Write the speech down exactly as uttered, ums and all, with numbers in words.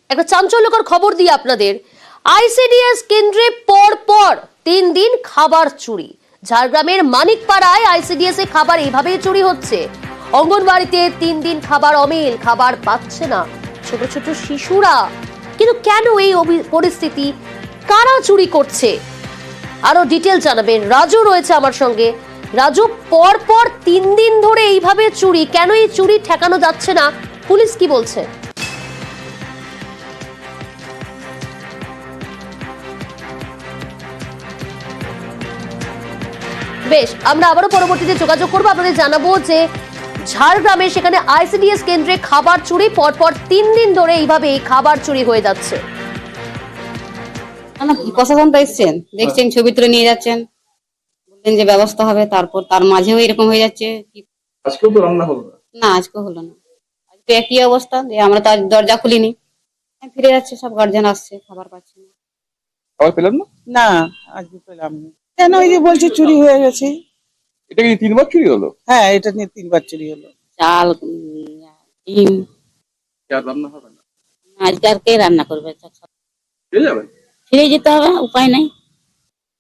একটা চাঞ্চল্যকর খবর দিই আপনাদের। আইসিডিএস কেন্দ্রে পর পর তিন দিন খাবার চুরি। ঝাড়গ্রামের মানিকপাড়ায় আইসিডিএস এ খাবার এইভাবেই চুরি হচ্ছে। অঙ্গনবাড়িতে তিন দিন খাবার অমিল, খাবার পাচ্ছে না ছোট ছোট শিশুরা। কিন্তু কেন এই পরিস্থিতি, কারা চুরি করছে, আরো ডিটেল জানাবেন রাজু রয়েছে আমার সঙ্গে। রাজু, পর পর তিন দিন ধরে এইভাবে চুরি, কেন এই চুরি ঠেকানো যাচ্ছে না, পুলিশ কি বলছে? বেশ, আমরা আবারও পরবর্তীতে যোগাযোগ করবো, আপনাদের জানাবো যে ঝাড়গ্রামে সেখানে আইসিডিএস কেন্দ্রে খাবার চুরি, পরপর তিন দিন ধরে এইভাবে খাবার চুরি হয়ে যাচ্ছে। প্রশাসন তো এসছেন, দেখছেন, ছবি তুলে নিয়ে যাচ্ছেন, বললেন যে ব্যবস্থা হবে, তারপর তার মাঝেও এরকম হয়ে যাচ্ছে। আজকেও তো রান্না হলো না। না, আজকে হলো না, আজকে একই অবস্থা যে আমরা তো আজ দরজা খুলিনি, ফিরে যাচ্ছে, সব গার্জেন আসছে, খাবার পাচ্ছে না। খাবার পেলাম না। না, আজকে পেলাম না। কেন? ওই যে বলছে চুরি হয়ে গেছে। এটা কি তিনবার চুরি হলো? হ্যাঁ, এটা নিয়ে তিনবার চুরি হলো। চাল, উম, ডিম, আর রান্না হবে না, আজকে আর কে রান্না করবে? পেয়ে যাবেন। ফিরে যেতে হবে, উপায় নাই।